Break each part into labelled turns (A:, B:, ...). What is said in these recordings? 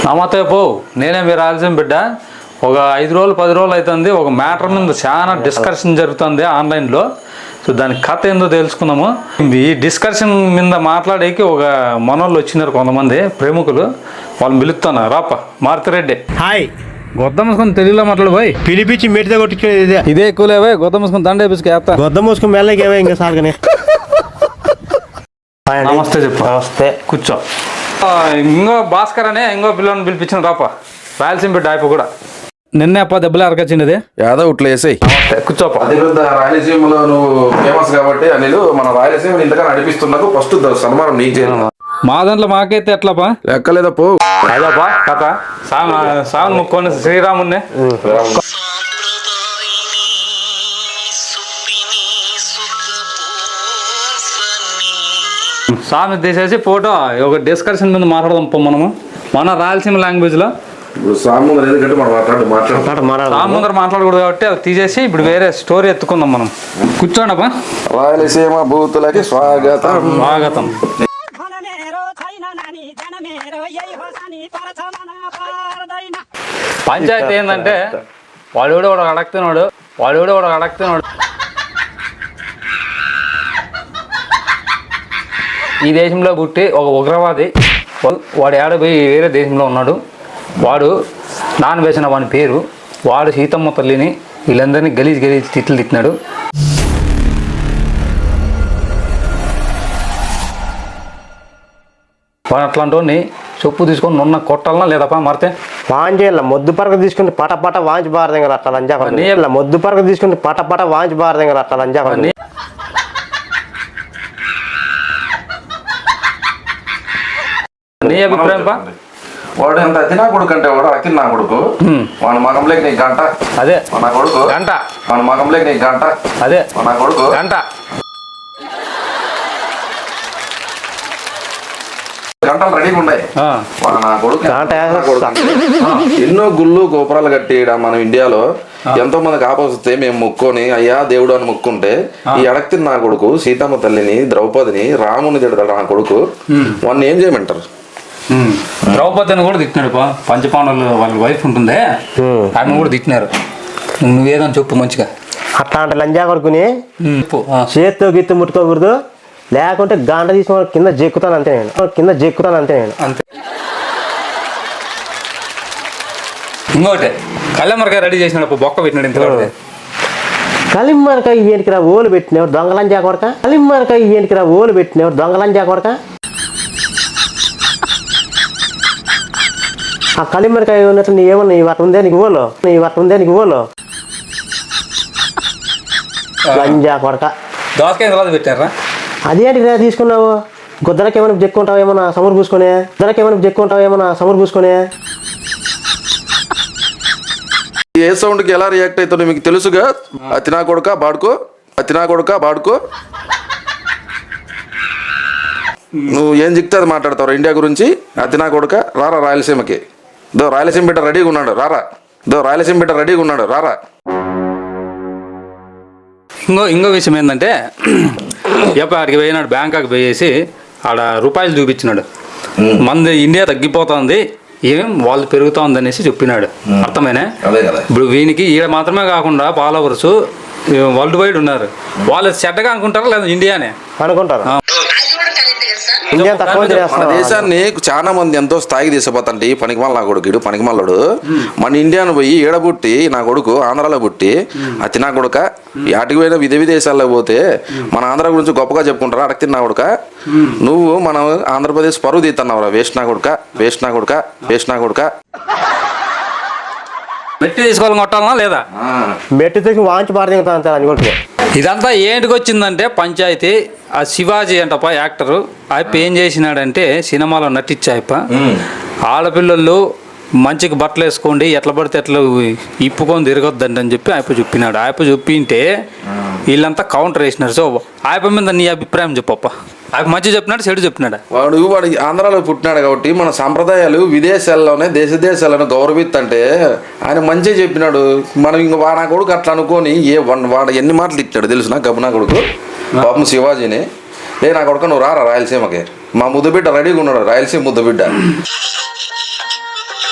A: నమస్తే పో నేనే మీరు రాయలసీమ బిడ్డ. ఒక 5 రోజులు 10 రోజులు అవుతుంది. ఒక మ్యాటర్ మీద చాలా డిస్కషన్ జరుగుతుంది ఆన్లైన్లో. సో దాని కథ ఏందో తెలుసుకుందాము. ఈ డిస్కషన్ మీద మాట్లాడేకి ఒక మనోళ్ళు వచ్చినారు కొంతమంది ప్రముఖులు. వాళ్ళని పిలుస్తాను. రాప మారుతిరెడ్డి.
B: హాయ్.
A: గొద్ద మూసుకొని తెలుగులో మాట్లాడు పోయి.
B: పిలిపించి మెట్టితో కొట్టించుకునేది
A: ఇదే ఎక్కువలేవే. గొద్ద మూసుకొని దండ వేసుకు
B: గొద్ద మూసుకొని మెల్లకేవే ఇంకా సార్గానే.
A: నమస్తే చెప్పు.
B: నమస్తే.
A: కూర్చో. ఇంకో భాస్కర్ అనే ఇంకో పిల్లల్ని పిలిపించిన రాప. రాయలసీమ బిడ్డ అయిపో కూడా నిన్నే అప్ప దెబ్బలు అరకొచ్చింది.
C: యాదో ఇట్లా వేసాయి.
A: కూర్చోప.
C: అదే పెద్ద రాయలసీమలో నువ్వు ఫేమస్ కాబట్టి అనిలు మన రాయలసీమ ఇంతగా నడిపిస్తున్నకు ఫస్ట్ సన్మానం నీకు చేయాలి.
A: మా దాంట్లో మాకైతే ఎట్లాపా
C: లెక్కలేదా పో.
A: అదేపా కథ సాగు ముక్కోని శ్రీరామున్నే సామి తీసేసి ఫోటో ఒక డిస్కషన్ మీద మాట్లాడదాం పో మనము. మన రాయలసీమ లాంగ్వేజ్లో
C: ఇప్పుడు సాముందర ఎందుకంటే మనం
A: సాముందర మాట్లాడకూడదు కాబట్టి అది తీసేసి ఇప్పుడు వేరే స్టోరీ ఎత్తుకుందాం మనం. కూర్చోండప్పా.
C: రాయలసీమ బూతులకి స్వాగతం.
A: స్వాగతం. పంచాయతీ ఏంటంటే వాడు కూడా ఒకడు అడగతున్నాడు. ఈ దేశంలో పుట్టి ఒక ఉగ్రవాది వాడు ఏడపోయి వేరే దేశంలో ఉన్నాడు. వాడు నాన్ వేసిన వాని పేరు. వాడు సీతమ్మ తల్లిని వీళ్ళందరినీ గలీజ్ తిట్లు తిట్టినాడు. వాడు అట్లాంటి వాడిని చెప్పు తీసుకొని నున్న కొట్టాలనా లేదప్పా మారితే
B: వాంచేయాల మొద్దు పరక తీసుకుని పటపట వాంచి బారదెంగ అట్లా లంజా మొద్దు పరక తీసుకుని పటపట వాంచి బారదెంగ అట్లా లంజా.
A: నీ అభిప్రాయం పా.
C: వాడు ఎంత అతి నా కొడుకు అంటే వాడు అతి నా కొడుకు. మన మగంలోకి నీకు గంట.
A: అదే
C: మన కొడుకు
A: గంట.
C: మన మగంలోకి నీకు గంట.
A: అదే
C: మన కొడుకు
A: గంట.
C: గంటలు రెడీగా ఉన్నాయి. నా కొడుకు ఎన్నో గుళ్ళు గోపురాలు కట్టియడం మన ఇండియాలో ఎంతో మందికి ఆపొస్తే మేము మొక్కొని అయ్యా దేవుడు అని మొక్కుంటే ఈ అడక్తిని నా కొడుకు సీతమ్మ తల్లిని ద్రౌపదిని రాముని తిడతాడు నా కొడుకు. వాడిని ఏం చేయమంటారు?
A: ద్రౌపదిని కూడా తిట్టినాడు. పంచపాండవులు వాళ్ళ వైఫ్ ఉంటుందే ఆమె కూడా తిట్టినారు. నువ్వేదని చెప్పు మంచిగా.
B: అట్లాంటి లంజా కొడుకుని చేత్తో గిత్తు ముట్టుకోకూడదు, లేకుంటే గాండ తీసుకుని కింద జెక్కుతాను అంతే నేను.
A: అంతే. ఇంకోటి కళ్ళెమ్మరకాయ రెడీ చేసినాడు. బొక్క పెట్టినాడు. ఇంత
B: కలిమ్మరకాయ ఏంటికి రా ఓలు పెట్టినవాడు దొంగలంజా కొడక. కలిమ్మరకాయ ఏంటికి రా ఓలు పెట్టినవాడు దొంగలంజా కొడక. ఆ కలిమ్మరకాయ ఉన్నట్టు నీ ఏమన్నా ఈ వట ఉందే నీకు ఓలో లంజా కొడక.
A: దోసకాయ తర్వాత పెట్టారా?
B: అదేంటి రా తీసుకున్నావు? గుద్దలకి ఏమైనా చెక్కుంటావు ఏమన్నా సమరు పూసుకొని.
C: ఏ సౌండ్కి ఎలా రియాక్ట్ అవుతుందో మీకు తెలుసుగా. అతినా కొడుక బాడుకో. నువ్వు ఏం చెప్తే అది మాట్లాడతావు ఇండియా గురించి. అతినా కొడుక రారా రాయలసీమకి. రాయలసీమ బిడ్డ రెడీగా ఉన్నాడు రారా.
A: ఇంకో విషయం ఏంటంటే ఆడికి పోయినాడు. బ్యాంకాక్ పోయేసి ఆడ రూపాయలు చూపించినాడు. మంది ఇండియా తగ్గిపోతుంది, ఏం వాళ్ళు పెరుగుతా ఉందనేసి చెప్పినాడు. అర్థమైనా? ఇప్పుడు వీనికి ఈడ మాత్రమే కాకుండా ఫాలోవర్స్ వరల్డ్ వైడ్ ఉన్నారు. వాళ్ళు చెడ్డగా అనుకుంటారా లేదా ఇండియానే
B: అనుకుంటారు.
C: మన దేశాన్ని చాలా మంది ఎంతో స్థాయికి తీసుకుపోతాంటే పనికిమాల నా కొడుకు ఇడు పనికిమాలడు మన ఇండియాను పోయి ఈడబుట్టి నా కొడుకు ఆంధ్రాలో పుట్టి అతి నా కొడుక ఆటికి పోయిన విదేశాల్లో పోతే మన ఆంధ్ర గురించి గొప్పగా చెప్పుకుంటారా? అడగతి నా కొడుక. నువ్వు మనం ఆంధ్రప్రదేశ్ పరువు తీస్తున్నావురా. వేస్ట్ నా కొడుక.
A: మెట్టి తీసుకోవాలని కొట్టాలనా లేదా?
B: మెట్టి తీసుకుని వాంచి బారదింగుతా అనుకుంటున్నా.
A: ఇదంతా ఏంటికి వచ్చిందంటే పంచాయతీ. ఆ శివాజీ అంటప్ప యాక్టరు ఆయప్ప ఏం చేసినాడంటే సినిమాలో నటించాయప్ప ఆడపిల్లలు మంచిగా బట్టలు వేసుకోండి, ఎట్లా పడితే ఎట్లా ఇప్పుకొని తిరగొద్దండి అని చెప్పి ఆయప్ప చెప్పినాడు. ఆయప్ప చెప్పింటే వీళ్ళంతా కౌంటర్ వేసినారు. సో ఆయప్ప మీద నీ అభిప్రాయం చెప్పప్ప. ఆయన మంచి చెప్పినాడు, చెడు చెప్పినాడు.
C: వాడు ఆంధ్రాలో పుట్టినాడు కాబట్టి మన సంప్రదాయాలు విదేశాల్లోనే దేశాలను గౌరవిత్తంటే ఆయన మంచిగా చెప్పినాడు. మనం ఇంక నా కొడుకు అట్లా అనుకొని వాడు ఎన్ని మాటలు ఇచ్చాడు తెలుసు గబ్బు నా కొడుకు పాపం శివాజీని. నా కొడుకు నువ్వు రారా రాయలసీమకి. మా ముద్దుబిడ్డ రెడీగా ఉన్నాడు, రాయలసీమ ముద్దుబిడ్డ.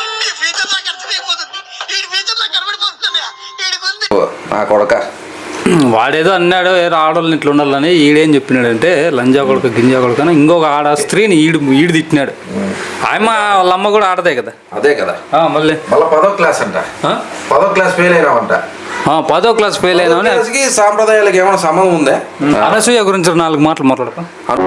C: నా కొడక.
A: వాడేదో అన్నాడు ఏదో ఆడవాళ్ళని ఇట్లా ఉండాలని. ఈడేం చెప్పినాడంటే లంజా కొడుకు గింజా కొడుకు అని ఇంకొక ఆడ స్త్రీని ఈడు తిట్టినాడు. ఆయమ్మ వాళ్ళ అమ్మ కూడా ఆడదే కదా.
C: అదే కదా.
A: మళ్ళీ
C: 10వ క్లాస్ అంట. 10వ క్లాస్ ఫెయిల్ అయినావంట.
A: 10వ క్లాస్ ఫెయిల్ అయినామని.
C: సాంప్రదాయాలకు ఏమైనా సంబంధం ఉందా?
A: అనసూయ గురించి 4 మాటలు మాట్లాడపా.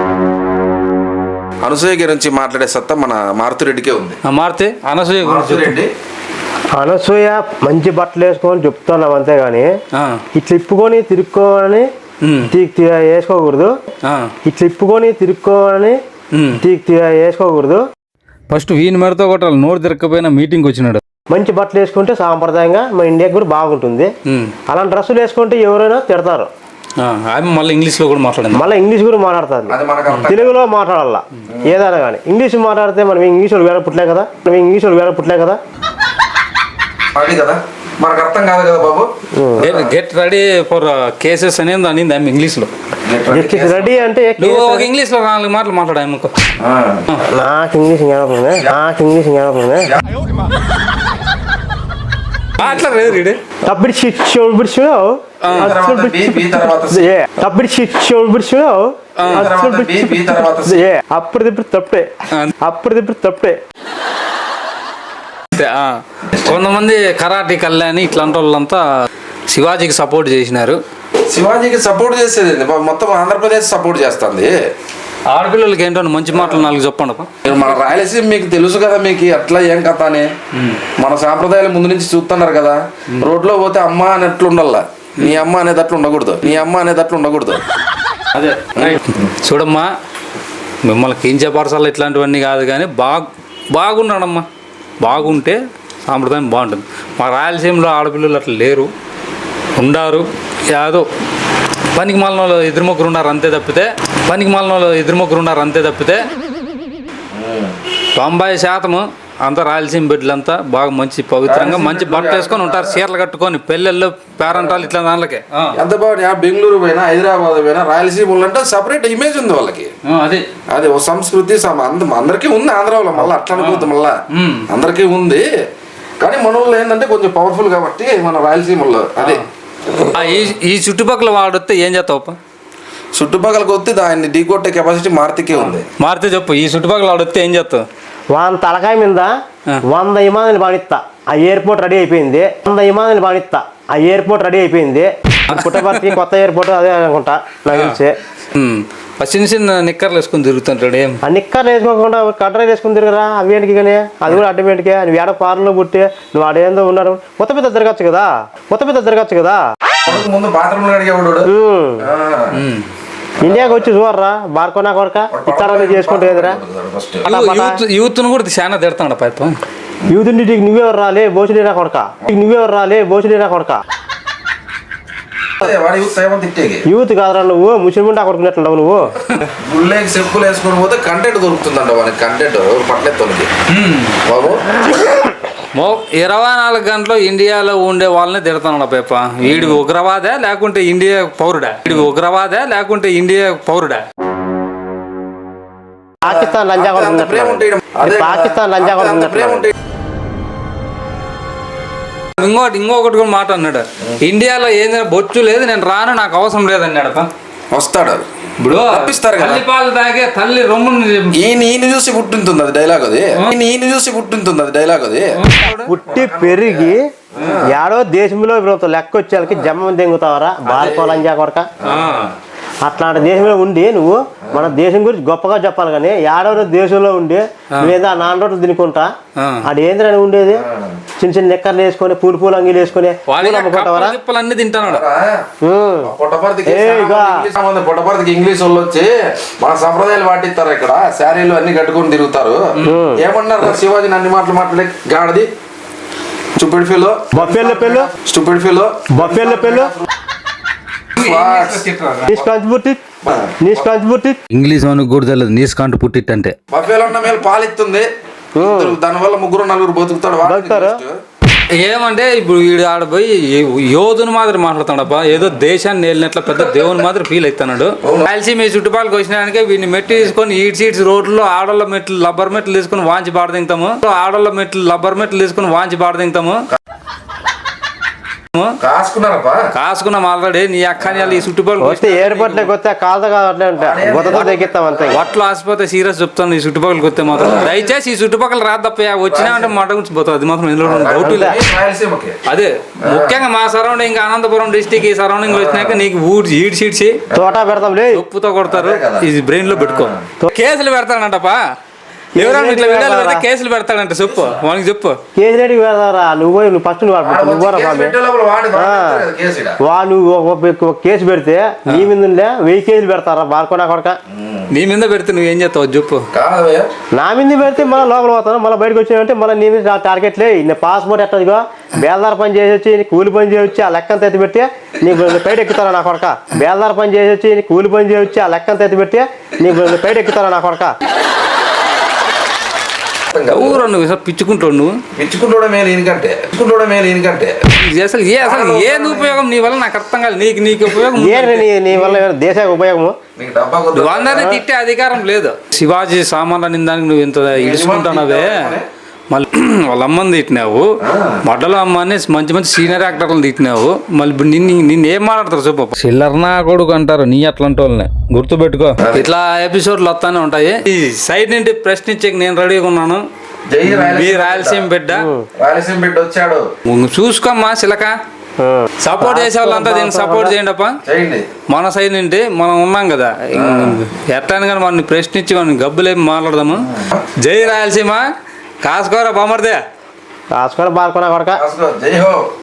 C: అనసూయ గురించి మాట్లాడే సత్తా మన మారుతిరెడ్డికే ఉంది.
A: మారుతి అనసూయ గురించి
C: రెడ్డి
B: అనసూయ మంచి బట్టలు వేసుకోని చెప్తున్నాం అంతేగాని ఇట్లా ఇప్పుకొని తిరుక్కోవాలని వేసుకోకూడదు. ఇట్లా ఇప్పుకొని తిరుక్కోవాలని వేసుకోకూడదు.
A: ఫస్ట్ వీని మెడతో కొట్టాలి. నోరు తిరగకపోయినా మీటింగ్ వచ్చినాడు.
B: మంచి బట్టలు వేసుకుంటే సాంప్రదాయంగా మన ఇండియాకి కూడా బాగుంటుంది. అలాంటి డ్రెస్సులు వేసుకుంటే ఎవరైనా తిడతారు.
A: మళ్ళీ ఇంగ్లీష్లో కూడా మాట్లాడింది.
B: మళ్ళీ ఇంగ్లీష్ కూడా మాట్లాడుతుంది. తెలుగులో మాట్లాడాల ఏదైనా కానీ. ఇంగ్లీష్ మాట్లాడితే మనం ఇంగ్లీష్ వాళ్ళు వేరే పుట్టలే కదా.
C: అది కదా మనకు అర్థం కాదు కదా బాబు.
A: గెట్ రెడీ ఫర్ కేసెస్ అనేది అనింది ఆమె ఇంగ్లీష్లో.
B: రెడీ అంటే
A: ఇంగ్లీష్లో 4 మాటలు మాట్లాడాము.
B: నాకు ఇంగ్లీష్
A: అట్లా లేదు. అప్పుడు
B: తప్పే.
A: కొంతమంది కరాటీ కళ్యాణి ఇట్లాంటి వాళ్ళంతా శివాజీకి సపోర్ట్ చేసినారు.
C: శివాజీకి సపోర్ట్ చేసేది మొత్తం ఆంధ్రప్రదేశ్ సపోర్ట్ చేస్తుంది.
A: ఆడపిల్లలకి ఏంటో మంచి మాటలు 4 చెప్పండి.
C: మన రాయలసీమ మీకు తెలుసు కదా, మీకు అట్లా ఏం కథ అని మన సాంప్రదాయాలు ముందు నుంచి చూస్తున్నారు కదా. రోడ్లో పోతే అమ్మ అనేట్లు ఉండాల, నీ అమ్మ అనేటట్లు ఉండకూడదు.
A: అదే చూడమ్మా, మిమ్మల్ని కించపరచాలి ఇట్లాంటివన్నీ కాదు కానీ బాగున్నాడమ్మా. బాగుంటే సాంప్రదాయం బాగుంటుంది. మా రాయలసీమలో ఆడపిల్లలు అట్లా లేరు, ఉండారు. యాదో పనికి మాలిన ఇద్దరు ముగ్గురు ఉన్నారు అంతే తప్పితే 90% అంతా రాయలసీమ బిడ్డలంతా బాగా మంచి పవిత్రంగా మంచి బట్టలు వేసుకొని ఉంటారు. చీరలు కట్టుకొని పెళ్ళిళ్ళు పేరంటాలు ఇట్లా దానికే
C: ఎంత బాగుంది. బెంగళూరు పోయినా హైదరాబాద్ పోయినా రాయలసీమ అంటే సపరేట్ ఇమేజ్ ఉంది వాళ్ళకి. అదే ఓ సంస్కృతి అందరికీ ఉంది. ఆంధ్రాలో మళ్ళీ అట్లా అనుకోవద్దు, మళ్ళా అందరికీ ఉంది. కానీ మన వాళ్ళు ఏంటంటే కొంచెం పవర్ఫుల్ కాబట్టి మన రాయలసీమలో అదే.
A: ఈ చుట్టుపక్కల వాడొస్తే ఏం చేస్తావు?
C: చుట్టుపక్కలకి వస్తే దాన్ని ఢీకొట్టే కెపాసిటీ మారుతికే ఉంది.
A: మారుతి చెప్పు, ఈ చుట్టుపక్కల వాడొస్తే ఏం చేస్తావు?
B: వాళ్ళ తలకాయ మీద 100 విమానాలు బాణిస్తా. ఆ ఎయిర్పోర్ట్ రెడీ అయిపోయింది. 100 విమానాలు బాణిస్తా. ఆ ఎయిర్పోర్ట్ రెడీ అయిపోయింది. పుట్టపర్తి కొత్త ఎయిర్పోర్ట్ అదే అనుకుంటా నాకు తెలిసి.
A: చిన్న నిక్కర్లు వేసుకుని తిరుగుతుంటాడు.
B: ఆ నిక్కర్లు వేసుకోకుండా కట్ర వేసుకుని తిరగరా అవేంటికి కానీ, అది కూడా అడ్డమేంటికే. నువ్వు ఏడ పార్లో పుట్టి నువ్వు ఆడేందో ఉన్నారు. కొత్త పెద్ద తిరగచ్చు కదా.
C: ముందు బాత్రూమ్ అడిగేవాడు.
B: ఇండియాకి వచ్చి చూడరా బార్కోనా కొరక ఇక్కడ చేసుకుంటే కదరా.
A: యూత్ కూడా చాలా తిడతాడు పైప.
B: యూత్ నువ్వెవరు రాలే బోసులేరా కొడక. యూత్ కాదరా నువ్వు, ముస్లిం కొడుకున్నట్లుండవు నువ్వు.
C: గుళ్ళకి చెప్పులు వేసుకొని పోతే కంటెంట్ దొరుకుతుందంట వానికి. కంటెంట్ పట్లెత్తోనికి బాబు
A: 24 గంటలు ఇండియాలో ఉండే వాళ్ళని తిడతాడు పేప. వీడి ఉగ్రవాదా లేకుంటే ఇండియా పౌరుడా?
B: పాకిస్తాన్ లంజా
A: ఇంకొకటి కూడా మాట అన్నాడు. ఇండియాలో ఏదైనా బొచ్చు లేదు, నేను రాను, నాకు అవసరం లేదన్నాడు.
C: వస్తాడు ఇప్పుడు తప్పిస్తారు కదా.
A: తాగే తల్లి రొమ్ముని
C: ఈయన చూసి పుట్టింటుంది అది డైలాగ్ అది.
B: పుట్టి పెరిగి ఏడో దేశంలో లెక్క వచ్చేళ్ళకి జమ్మని దెంగుతావరా బార్కోలంజా కొరక. అట్లాంటి దేశంలో ఉండి నువ్వు మన దేశం గురించి గొప్పగా చెప్పాలి కానీ ఏడో దేశంలో ఉండి నువ్వేదో 4 రోడ్లు తినుకుంటా అది ఏంద్రని ఉండేది. చిన్న నిక్కర్లు వేసుకొని పూలు అంగీలు వేసుకొని
A: అన్ని తింటాడు.
C: పుట్టపర్తికి ఇంగ్లీష్ వాళ్ళు వచ్చి మన సంప్రదాయాలు పాటిస్తారు. ఇక్కడ శారీలు అన్ని కట్టుకొని తిరుగుతారు. ఏమన్నారు శివాజీని అన్ని మాటలు మాట్లాడే గాడిది స్టూపిడ్ ఫెలో
A: ఇంగ్లీష్ మనకు కూడా తెలియదు. నీస్ కాంటు పుట్టిట్ అంటే
C: బఫేలో ఉన్న మేలు పాలిస్తుంది. దానివల్ల 3-4 బతుకుతాడు.
A: ఏమంటే ఇప్పుడు వీడు ఆడపోయి యోధుని మాదిరి మాట్లాడుతాడప్ప. ఏదో దేశాన్ని వెళ్ళినట్లు పెద్ద దేవుని మాదిరి ఫీల్ అవుతున్నాడు. కలిసి మీ చుట్టుపక్కలకి వచ్చినానికి వీడిని మెట్టి తీసుకొని సీట్స్ రోడ్లో ఆడోళ్ళ మెట్లు లబ్బర్ మెట్లు తీసుకుని వాంచి బాడదింతాము.
C: కాసుకున్నారప్పా.
A: కాసుకున్నాం ఆల్రెడీ. నీ అక్కని వాళ్ళు ఈ చుట్టుపక్కల
B: వస్తే ఎయిర్పోర్ట్లోకి వస్తే కాలుతో కావట్లే ఉంటా గుద్దతో తెగిస్తాం అంతే.
A: వట్లు ఆసిపోతే సీరియస్ చెప్తాను. ఈ చుట్టుపక్కలకి వస్తే మాత్రం దయచేసి ఈ చుట్టుపక్కల రాదప్ప వచ్చినా అంటే మాట గురించి పోతుంది. అది మాత్రం ఇందులో డౌట్ లేదు.
C: రాయలసీమకి
A: అదే ముఖ్యంగా మా సరౌండింగ్ అనంతపురం డిస్టిక్ ఈ సరౌండింగ్ వచ్చినాక నీకు ఈడ్ సీడ్సి
B: తోట పెడతాం లే
A: ఉప్పుతో కొడతారు. ఇది బ్రెయిన్ లో పెట్టుకో. కేసులు పెడతాడంటప్పా. ఎవరైనా ఇట్లా వీడియోలు పెడితే కేసులు పెడతాడంట. చెప్పు వానికి చెప్పు.
B: కేసు రెడ్డికి పెడతారా నువ్వు నువ్వు నువ్వు కేసు పెడితే నీ మీద 1000 కేసులు పెడతారా బార్కోనా కొడక.
A: నీ మీద పెడితే నువ్వేం చేస్తావు చెప్పు.
B: నా మీద పెడితే మళ్ళీ లోపల పోతాను. మళ్ళీ బయటకు వచ్చానంటే మళ్ళీ నీ మీద టార్గెట్లే. నేను పాస్పోర్ట్ ఎట్టదిగో బేల్దార పని చేసి వచ్చి కూలి పని చేసి వచ్చి ఆ లెక్కను ఎత్తి పెట్టి నీకు బయట ఎక్కుతారా నా కొడక. బేల్దార పని చేసి వచ్చి కూలి పని చేసి వచ్చి ఆ లెక్కను ఎత్తి పెట్టి నీకు బయట ఎక్కుతారా నా కొడక.
A: ఊరు నువ్వు పిచ్చుకుంటావు. నువ్వు
C: పిచ్చుకుంటూడ మేలు ఈయనకంటే
A: అసలు ఏది ఉపయోగం నీ వల్ల నాకు అర్థం కాదు. నీకు ఉపయోగం
B: నీ వల్ల దేశానికి ఉపయోగము.
C: నీకు డబ్బా
A: నువ్వు అందరినీ తిట్టే అధికారం లేదు. శివాజీ సామాన్లు నిందానికి నువ్వు ఇంత ఇడుచుకుంటున్నావే. మళ్ళీ వాళ్ళ అమ్మని తిట్టినావు. మొడ్డల అమ్మని మంచి మంచి సీనియర్ యాక్టర్లను తిట్టినావు. మళ్ళీ నిన్ను ఏం మాట్లాడతారు చెప్పు. చిల్లర నా కొడుకు అంటారు నీ అట్లాంటి వాళ్ళని గుర్తుపెట్టుకో. ఇట్లా ఎపిసోడ్లు వస్తానే ఉంటాయి. ఈ సైడ్ నుండి ప్రశ్నించే నేను రెడీగా ఉన్నాను. మీ రాయలసీమ బిడ్డ
C: వచ్చాడు.
A: చూసుకోమ్మా చిలక. సపోర్ట్ చేసే వాళ్ళంతా దీన్ని సపోర్ట్ చేయండి అప్ప. మన సైడ్ నుండి మనం ఉన్నాం కదా. ఎట్లా కానీ మనని ప్రశ్నించి మనం గబ్బులేమి మాట్లాడదాము. జై రాయలసీమ. కాసుకోరా బామర్దే.
B: కాసుకొని బార్కోనా కొడక.
C: జై హో.